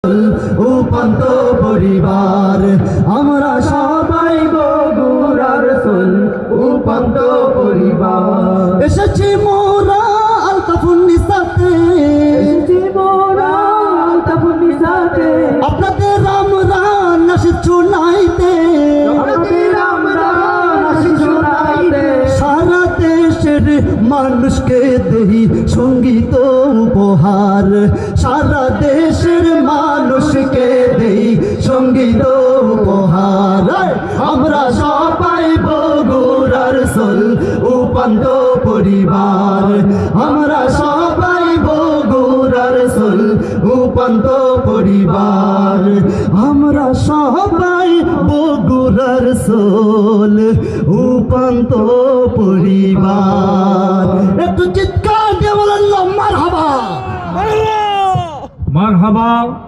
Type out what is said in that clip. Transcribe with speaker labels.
Speaker 1: উপান্ত পরিবার আমরা সবাই বগুড়ার সোল উপান্ত পরিবার এসেছি মোরা আলতাফুন্নিসাতে আপনাদের আমরা নাশিদ শুনাইতে সারা দেশের মানুষকে দেই সঙ্গীত উপহার সারা দেশের মানুষকে দেই সঙ্গীত উপহার আমরা সবাই বগুড়ার সোল উপান্ত পরিবার আমরা সবাই বগুড়ার সোল উপান্ত পরিবার আমরা সবাই বগুড়ার সোল উপান্ত পরিবার একটু চিৎকার দিয়ে বলেন মারহাবা
Speaker 2: মারহাবা।